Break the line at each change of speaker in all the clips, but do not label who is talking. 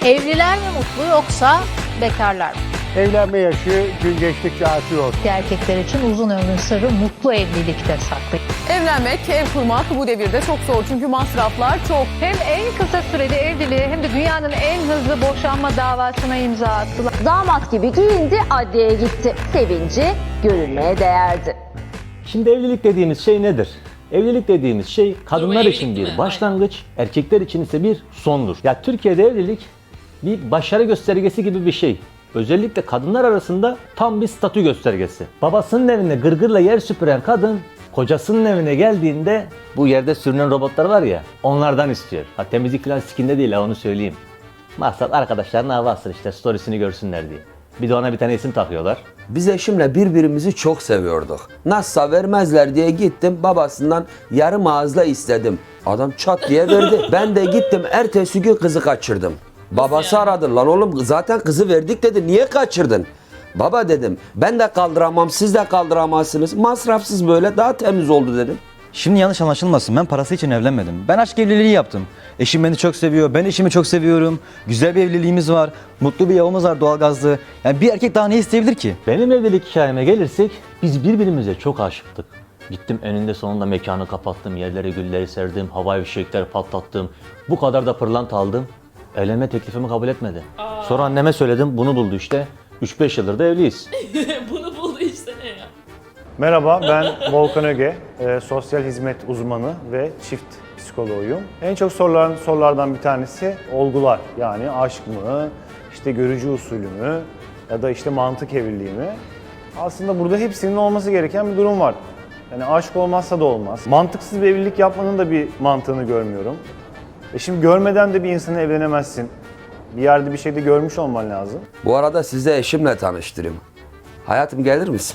Evliler mi mutlu yoksa bekarlar mı?
Evlenme yaşı gün geçtikçe artıyor.
Erkekler için uzun ömrün sırrı mutlu evlilikte saklı.
Evlenmek, ev kurmak bu devirde çok zor çünkü masraflar çok.
Hem en kısa sürede evliliği hem de dünyanın en hızlı boşanma davasına imza attılar.
Damat gibi giyindi, adliyeye gitti. Sevinci görülmeye değerdi.
Şimdi evlilik dediğimiz şey nedir? Evlilik dediğimiz şey kadınlar için bir başlangıç, erkekler için ise bir sondur. Ya Türkiye'de evlilik bir başarı göstergesi gibi bir şey. Özellikle kadınlar arasında tam bir statü göstergesi. Babasının evinde gırgırla yer süpüren kadın, kocasının evine geldiğinde bu yerde sürünen robotlar var ya, onlardan istiyor. Ha temizlik falan sikinde değil ha, onu söyleyeyim. Maksat arkadaşlarına hava atsın işte, storiesini görsünler diye. Bir de ona bir tane isim takıyorlar.
Biz eşimle birbirimizi çok seviyorduk. Nasılsa vermezler diye gittim babasından yarım ağızla istedim. Adam çat diye verdi. Ben de gittim ertesi gün kızı kaçırdım. Babası aradı, lan oğlum zaten kızı verdik dedi, niye kaçırdın? Baba dedim, ben de kaldıramam, siz de kaldıramazsınız. Masrafsız böyle daha temiz oldu dedim.
Şimdi yanlış anlaşılmasın, ben parası için evlenmedim. Ben aşk evliliği yaptım. Eşim beni çok seviyor, ben eşimi çok seviyorum. Güzel bir evliliğimiz var, mutlu bir yavamız var doğalgazlı. Yani bir erkek daha ne isteyebilir ki?
Benim evlilik hikayeme gelirsek, biz birbirimize çok aşıktık. Gittim eninde sonunda mekanı kapattım, yerlere gülleri serdim, havai fişekler patlattım. Bu kadar da pırlanta aldım. Evlenme teklifimi kabul etmedi. Sonra anneme söyledim, bunu buldu işte. 3-5 yıldır da evliyiz.
Bunu buldu işte ne ya?
Merhaba, ben Volkan Öge, sosyal hizmet uzmanı ve çift psikoloğuyum. En çok sorulan sorulardan bir tanesi olgular. Yani aşk mı, işte görücü usulü mü ya da işte mantık evliliği mi? Aslında burada hepsinin olması gereken bir durum var. Yani aşk olmazsa da olmaz. Mantıksız bir evlilik yapmanın da bir mantığını görmüyorum. Şimdi görmeden de bir insana evlenemezsin. Bir yerde bir şeyde görmüş olman lazım.
Bu arada size eşimle tanıştırayım. Hayatım gelir misin?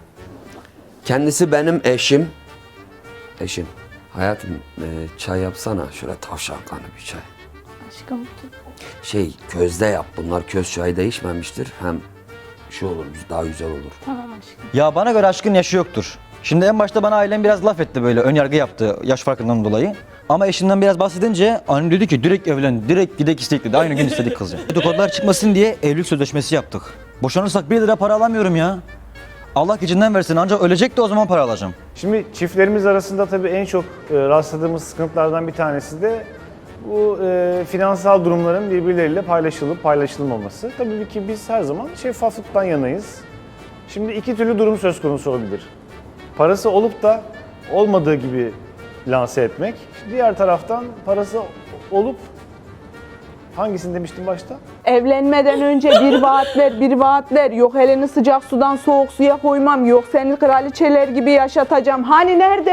Kendisi benim eşim. Eşim. Hayatım çay yapsana. Şöyle tavşankanlı bir çay.
Aşkım.
Közde yap. Bunlar köz çayı değişmemiştir. Hem şu olur, daha güzel olur.
Tamam aşkım.
Ya bana göre aşkın yaşı yoktur. Şimdi en başta bana ailem biraz laf etti, böyle ön yargı yaptı yaş farkından dolayı. Ama eşimden biraz bahsedince annem dedi ki direkt evlen, direkt gidek istek dedi. Aynı gün istedik kızı. Dedikodular çıkmasın diye evlilik sözleşmesi yaptık. Boşanırsak 1 lira para alamıyorum ya. Allah gecinden versin, ancak ölecek de o zaman para alacağım.
Şimdi çiftlerimiz arasında tabii en çok rastladığımız sıkıntılardan bir tanesi de bu finansal durumların birbirleriyle paylaşılıp paylaşılmaması. Tabii ki biz her zaman şeffaflıktan yanayız. Şimdi iki türlü durum söz konusu olabilir. Parası olup da olmadığı gibi lanse etmek. Diğer taraftan parası olup, hangisini demiştim başta?
Evlenmeden önce bir vaatler. Yok elini sıcak sudan soğuk suya koymam. Yok seni kraliçeler gibi yaşatacağım. Hani nerede?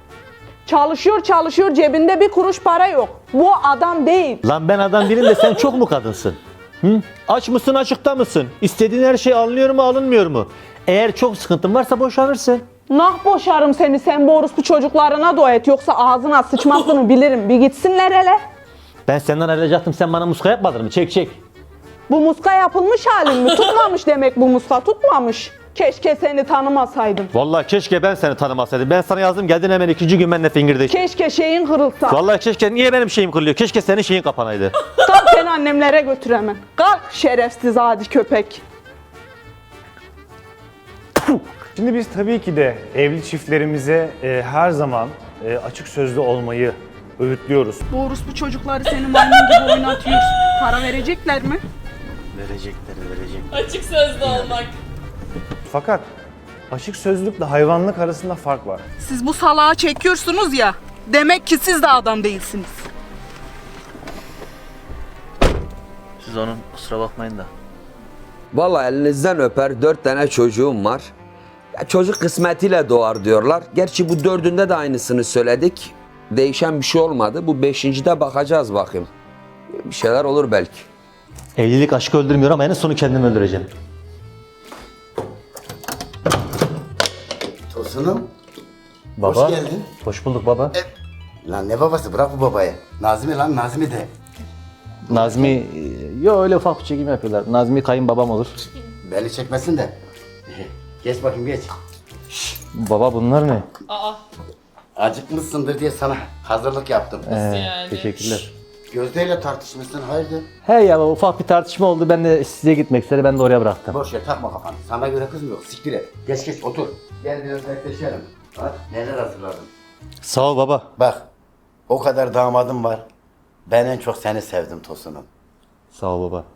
Çalışıyor cebinde bir kuruş para yok. Bu adam değil.
Lan ben adam değilim de sen çok mu kadınsın? Hı? Aç mısın, açıkta mısın? İstediğin her şey alınıyor mu, alınmıyor mu? Eğer çok sıkıntın varsa boşanırsın.
Nah boşarım seni, sen bu orospu çocuklarına dua et. Yoksa ağzına sıçmasını bilirim. Bir gitsinler hele.
Ben senden ayrılacaktım, sen bana muska yapmadın mı? Çek.
Bu muska yapılmış halin mi? Tutmamış demek bu muska, tutmamış. Keşke seni tanımasaydım.
Vallahi keşke ben seni tanımasaydım. Ben sana yazdım, geldin hemen 2. gün benimle fingirdeş.
Keşke şeyin kırılsa.
Vallahi keşke, niye benim şeyim kırılıyor? Keşke senin şeyin kapanaydı.
Kalk seni annemlere götür hemen. Kalk şerefsiz adi köpek.
Şimdi biz tabii ki de evli çiftlerimize her zaman açık sözlü olmayı öğütlüyoruz.
Bu orospu çocukları seni maymun gibi oynatıyor. Para verecekler mi?
Verecekler.
Açık sözlü olmak.
Fakat açık sözlükle hayvanlık arasında fark var.
Siz bu salağı çekiyorsunuz ya. Demek ki siz de adam değilsiniz.
Siz onun kusura bakmayın da.
Vallahi elinizden öper, 4 tane çocuğum var. Ya çocuk kısmetiyle doğar diyorlar. Gerçi bu 4'ünde de aynısını söyledik. Değişen bir şey olmadı. Bu 5.'de bakacağız bakayım. Bir şeyler olur belki.
Evlilik aşkı öldürmüyor ama en sonu kendimi öldüreceğim.
Tosunum.
Baba.
Hoş geldin.
Hoş bulduk baba.
Lan ne babası, bırak bu babayı. Nazmi lan, Nazmi de.
Nazmi, öyle ufak bir çekim yapıyorlar. Nazmi kayınbabam olur.
Belli çekmesin de. Geç bakayım geç.
Baba bunlar ne?
Aa.
Acıkmışsındır diye sana hazırlık yaptım.
Yani?
Teşekkürler.
Gözde'yle tartışmışsın hayırdır?
He ya ufak bir tartışma oldu. Ben de size gitmek istedi. Ben de oraya bıraktım.
Boş ver takma kafanı. Sana göre kız mı yok? Siktir et. Geç geç otur. Gel biraz bekleşelim. Bak neler hazırladım.
Sağ ol baba.
Bak o kadar damadım var. Ben en çok seni sevdim Tosun'um.
Sağ ol baba.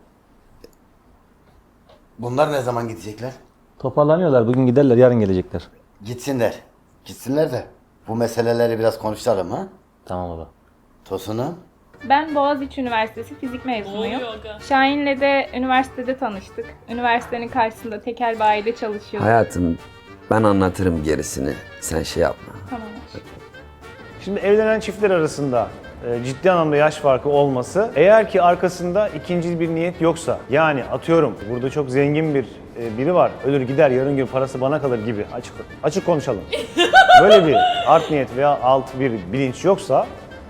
Bunlar ne zaman gidecekler?
Toparlanıyorlar. Bugün giderler. Yarın gelecekler.
Gitsinler. Gitsinler de bu meseleleri biraz konuşalım ha?
Tamam baba.
Tosun'um.
Ben Boğaziçi Üniversitesi fizik
Ne
mezunuyum.
oluyor aga?
Şahin'le de üniversitede tanıştık. Üniversitenin karşısında tekel bayide çalışıyorduk.
Hayatım ben anlatırım gerisini. Sen şey yapma.
Tamam.
Şimdi evlenen çiftler arasında ciddi anlamda yaş farkı olması, eğer ki arkasında ikinci bir niyet yoksa, yani atıyorum burada çok zengin bir biri var, ölür gider yarın gün parası bana kalır gibi, açık konuşalım. Böyle bir art niyet veya alt bir bilinç yoksa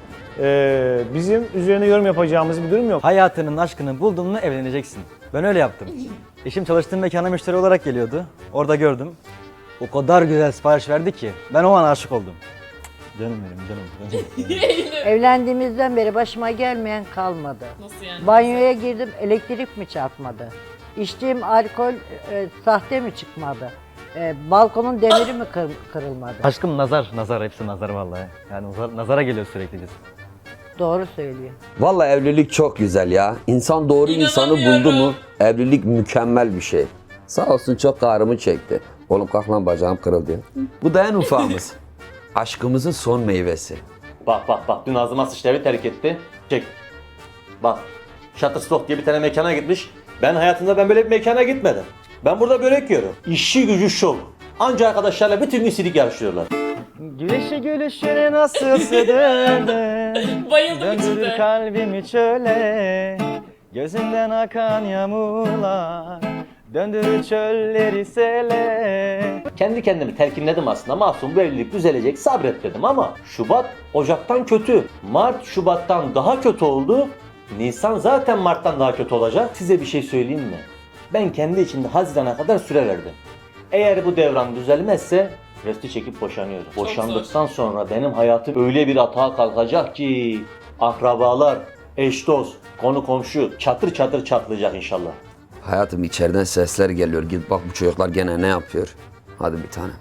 bizim üzerine yorum yapacağımız bir durum yok.
Hayatının aşkını buldun mu evleneceksin. Ben öyle yaptım. Eşim çalıştığım mekana müşteri olarak geliyordu. Orada gördüm. O kadar güzel sipariş verdi ki ben o an aşık oldum. Canım benim, canım.
Eylül.
Evlendiğimizden beri başıma gelmeyen kalmadı.
Nasıl yani?
Banyoya girdim, elektrik mi çarpmadı? İçtiğim alkol sahte mi çıkmadı? Balkonun demiri mi kırılmadı?
Aşkım nazar hepsi nazar vallahi. Yani nazara geliyor sürekli.
Doğru söylüyor.
Vallahi evlilik çok güzel ya. İnsan doğru insanı buldu mu
İnanamıyorum.
evlilik mükemmel bir şey. Sağ olsun çok ağrımı çekti. Oğlum kalk lan bacağım kırıldı ya. Bu da en ufağımız. Aşkımızın son meyvesi.
Bak. Dün ağzıma sıçtı evi terk etti. Çek. Bak. Shutterstock diye bir tane mekana gitmiş. Ben hayatımda böyle bir mekana gitmedim. Ben burada börek yiyorum. İşi gücü şov. Anca arkadaşlarla bütün gün silik yarışıyorlar.
Güneşi gülüşüne nasıl sığdırdın?
Bayıldım
Döndürür
içinde.
kalbimi çöle. Gözünden akan yağmurlar. Döndürür çölleri sele.
Kendi kendimi telkinledim aslında. Masum bu evlilik düzelecek sabret dedim ama Şubat Ocak'tan kötü. Mart Şubat'tan daha kötü oldu. Nisan zaten Mart'tan daha kötü olacak. Size bir şey söyleyeyim mi? Ben kendi içimde Haziran'a kadar süre verdim. Eğer bu devran düzelmezse resti çekip boşanıyoruz.
Çok
Boşandıktan sonra benim hayatım öyle bir atağa kalkacak ki akrabalar, eş dost, konu komşu çatır çatır çatlayacak inşallah.
Hayatım içeriden sesler geliyor. Git bak bu çocuklar gene ne yapıyor. Hadi bir tane.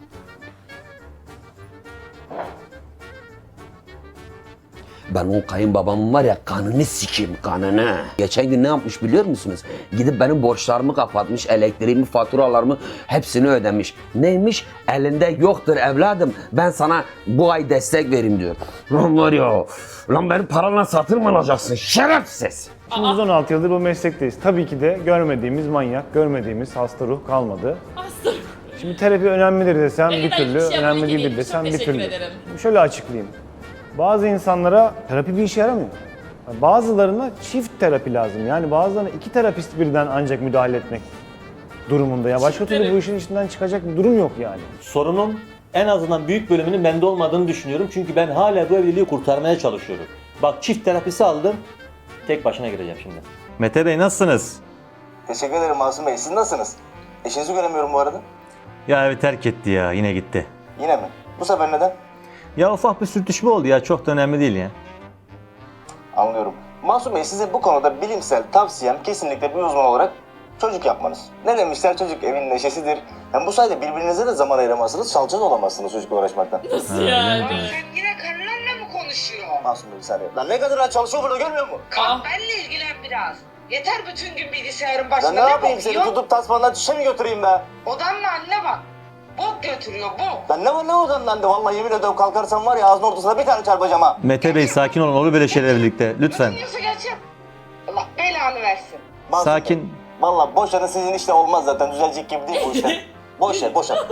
Ben o kayınbabamın var ya kanını sikeyim kanını. Geçen gün ne yapmış biliyor musunuz? Gidip benim borçlarımı kapatmış, elektriğimi, faturalarımı hepsini ödemiş. Neymiş? Elinde yoktur evladım. Ben sana bu ay destek vereyim diyor. Lan var ya, lan benim paranla satın mı alacaksın şerefsiz?
Şimdi biz 16 yıldır bu meslekteyiz. Tabii ki de görmediğimiz manyak, görmediğimiz hasta ruh kalmadı.
Hasta.
Şimdi terapi önemlidir desem bir
Elinden
türlü,
hiçbir şey
önemli
yapmak
değildir
değil.
desem
Çok
bir
teşekkür
türlü.
ederim.
Şöyle açıklayayım. Bazı insanlara terapi bir işe yaramıyor. Bazılarına çift terapi lazım. Yani bazılarına iki terapist birden ancak müdahale etmek durumunda. Ya başka türlü bu işin içinden çıkacak bir durum yok yani.
Sorunun en azından büyük bölümünün bende olmadığını düşünüyorum. Çünkü ben hala bu evliliği kurtarmaya çalışıyorum. Bak çift terapisi aldım. Tek başına gireceğim şimdi. Mete Bey nasılsınız?
Teşekkür ederim Masum Bey. Siz nasılsınız? Eşinizi göremiyorum bu arada.
Ya evi terk etti ya yine gitti.
Yine mi? Bu sefer neden?
Ya ufak bir sürtüşme oldu ya çok da önemli değil ya.
Anlıyorum. Masum Bey size bu konuda bilimsel tavsiyem kesinlikle bir uzman olarak çocuk yapmanız. Ne demişler çocuk evin neşesidir. Hem bu sayede birbirinize de zaman ayıramazsınız, salça da olamazsınız çocukla uğraşmaktan.
Nasıl yani?
Yine karılarla mı konuşuyor?
Masum Bey bir saniye. Lan ne kadar çalışıyor burada görmüyor musun?
Benle ilgilen biraz. Yeter bütün gün bilgisayarın
Ben
başında
ne yapayım seni
bakıyor?
tutup tasmandan çişe mi götüreyim be?
Odanla anne bak. Bok götürüyor bok.
Lan ne var ne odandan de vallahi yemin ediyorum kalkarsam var ya ağzının ortasına bir tane çarpacağım ha.
Mete Bey sakin olun olur böyle şeyler birlikte lütfen.
Nasıl geçip? Allah belanı versin.
Masum
Sakin.
Bey, vallahi boşanın sizin işte olmaz zaten düzelecek gibi değil bu işler. Boş ver boşan.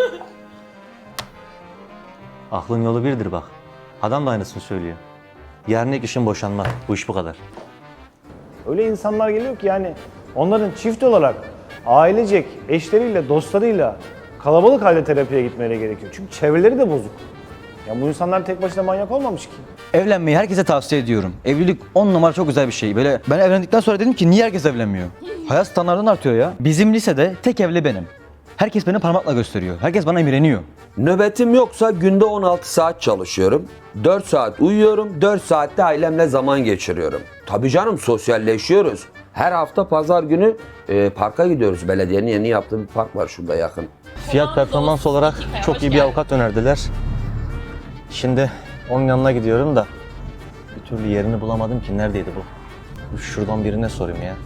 Aklın yolu birdir bak. Adam da aynısını söylüyor. Yarın ilk işin boşanma. Bu iş bu kadar.
Öyle insanlar geliyor ki yani onların çift olarak ailecek, eşleriyle, dostlarıyla kalabalık halde terapiye gitmeleri gerekiyor. Çünkü çevreleri de bozuk. Ya bu insanlar tek başına manyak olmamış ki.
Evlenmeyi herkese tavsiye ediyorum. Evlilik 10 numara çok güzel bir şey. Böyle ben evlendikten sonra dedim ki niye herkes evlenmiyor? Hayat standartın artıyor ya. Bizim lisede tek evli benim. Herkes beni parmakla gösteriyor. Herkes bana imreniyor.
Nöbetim yoksa günde 16 saat çalışıyorum. 4 saat uyuyorum, 4 saatte ailemle zaman geçiriyorum. Tabii canım, sosyalleşiyoruz. Her hafta pazar günü parka gidiyoruz. Belediyenin yeni yaptığı bir park var şurada yakın.
Fiyat performans olarak çok iyi bir avukat önerdiler. Şimdi onun yanına gidiyorum da bir türlü yerini bulamadım ki. Neredeydi bu? Şuradan birine sorayım ya.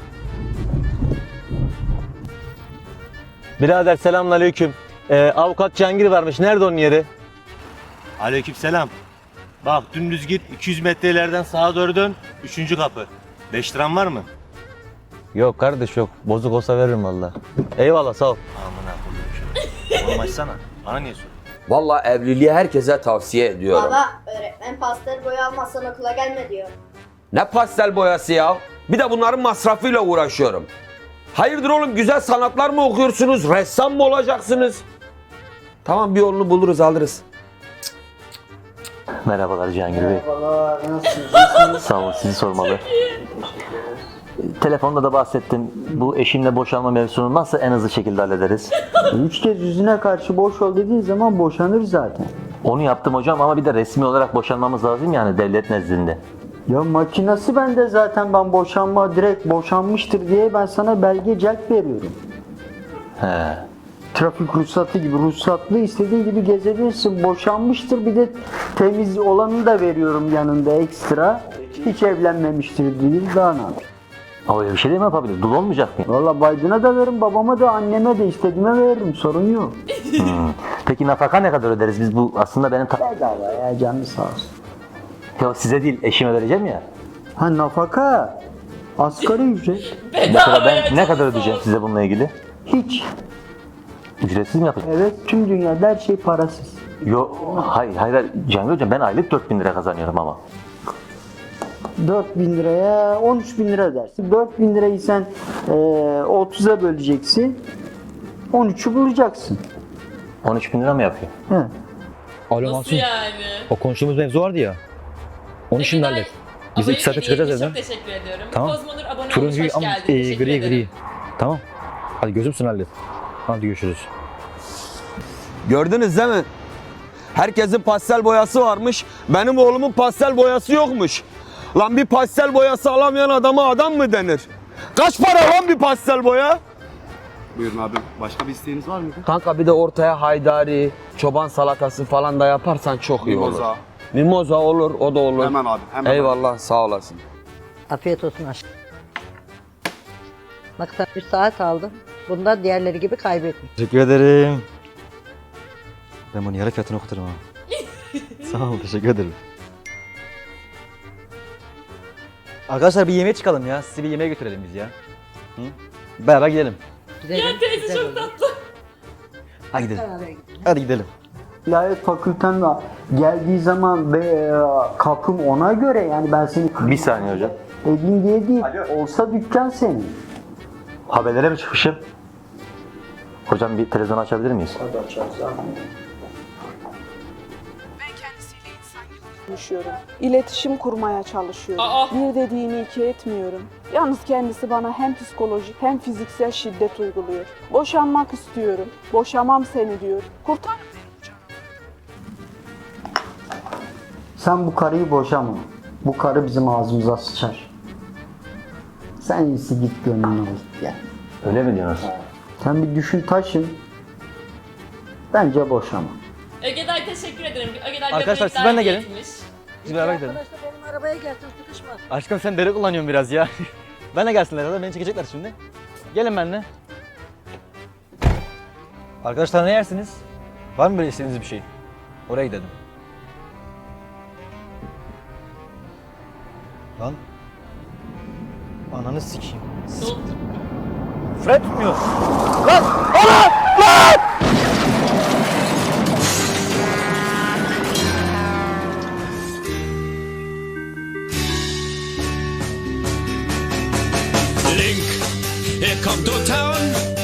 Birader selamünaleyküm. Avukat Cihangir varmış. Nerede onun yeri?
Aleykümselam. Bak dümdüz git 200 metre ileriden sağa doğru dön. 3. kapı. 5 liran var mı?
Yok kardeş yok. Bozuk olsa veririm valla. Eyvallah sağ ol.
Amına koyayım. Oğlum açsana. Bana niye soruyorsun?
Vallahi evliliği herkese tavsiye ediyorum.
Baba, öğretmen pastel boya almazsan okula gelme diyor.
Ne pastel boyası ya? Bir de bunların masrafıyla uğraşıyorum. Hayırdır oğlum, güzel sanatlar mı okuyorsunuz? Ressam mı olacaksınız? Tamam, bir yolunu buluruz, alırız.
Merhabalar Cihangir Bey.
Merhabalar, nasılsınız?
Sağ olun, sizi sormalı. Telefonda da bahsettim. Bu eşimle boşanma mevzusunu nasıl en hızlı şekilde hallederiz?
3 kez yüzüne karşı boş ol dediğin zaman boşanır zaten.
Onu yaptım hocam ama bir de resmi olarak boşanmamız lazım yani devlet nezdinde.
Ya makinası bende zaten, ben boşanma direkt boşanmıştır diye ben sana belge celp veriyorum.
He.
Trafik ruhsatı gibi ruhsatlı, istediğin gibi gezebilirsin. Boşanmıştır, bir de temiz olanı da veriyorum yanında ekstra. Hiç evlenmemiştir değil, daha ne yapayım?
Öyle bir şey de mi yapabilir? Dul olmayacak mı?
Valla Biden'a da veririm, babama da, anneme de, istediğime veririm, sorun yok.
Peki nafaka ne kadar öderiz biz? Bu aslında benim...
Bedava ya, canı sağ olsun.
Ya size değil, eşime vereceğim ya.
Ha, nafaka asgari ücret.
Mesela ben ne kadar ödeyeceğim size bununla ilgili?
Hiç.
Ücretsiz mi yapacağım?
Evet, tüm dünyada her şey parasız.
Yok, hayır Cihangir Hocam, ben aylık 4.000 lira kazanıyorum ama.
4.000 liraya 13.000 lira ödersin. 4.000 lirayı sen 30'a böleceksin. 13'ü bulacaksın.
13.000 lira mı yapıyor?
He.
Alo
Nasıl
Mansur.
yani?
O konuştuğumuz mevzu vardı ya. Onu şimdi hallet. Biz 2 saate çıkacağız evden.
Çok teşekkür ediyorum.
Tamam.
Kozmonur abone olmuş,
Turuncuyu
hoş
ama
geldin. Teşekkür
gri
ederim.
gri. Tamam. Hadi gözümsün hallet. Hadi görüşürüz.
Gördünüz değil mi? Herkesin pastel boyası varmış. Benim oğlumun pastel boyası yokmuş. Lan bir pastel boyası alamayan adama adam mı denir? Kaç para lan bir pastel boya?
Buyurun abi. Başka bir isteğiniz var mıydı?
Kanka bir de ortaya haydari, çoban salatası falan da yaparsan çok iyi olur.
Mimoza.
Mimoza olur, o da olur.
Hemen abi, hemen.
Eyvallah, sağ olasın.
Afiyet olsun aşkım. Bak sen bir saat aldın. Bunda diğerleri gibi kaybetme.
Teşekkür ederim. Ben bunu yarı fiyatına okuturum ha. Sağ ol, teşekkür ederim. Arkadaşlar bir yemeğe çıkalım ya. Sizi bir yemeğe götürelim biz ya. Hı? Beraber gidelim.
Gidelim.
Ya teyze çok tatlı.
Hadi gidelim. Hadi gidelim.
İlahiyat fakülten geldiği zaman kapım ona göre, yani ben seni
Bir saniye hocam.
edeyim diye değil. Olsa dükkan senin.
Haberlere mi çıkmışım? Hocam bir televizyon açabilir miyiz?
Hadi açarız abi.
Konuşuyorum. İletişim kurmaya çalışıyorum. Bir dediğini iki etmiyorum. Yalnız kendisi bana hem psikolojik hem fiziksel şiddet uyguluyor. Boşanmak istiyorum. Boşamam seni diyor. Kurtar.
Sen bu karıyı boşama. Bu karı bizim ağzımıza sıçar. Sen iyisi git gönlünü al gel.
Öyle mi diyorsun?
Sen bir düşün taşın. Bence boşama.
Ögeday teşekkür ederim. Ögeday
Arkadaşlar, siz
göbekler
benimle gelin.
yetmiş.
Biz beraber gidelim.
Arkadaşlar benim arabaya gelsin, sıkışma.
Aşkım sen deri kullanıyorsun biraz ya. Ben de gelsinler zaten, beni çekecekler şimdi. Gelin benimle. Arkadaşlar ne yersiniz? Var mı böyle istediğiniz bir şey? Oraya gidelim. Lan. Ananı sikeyim. Fred tutmuyor. Lan! Ana! Lan!
Link, here come to town.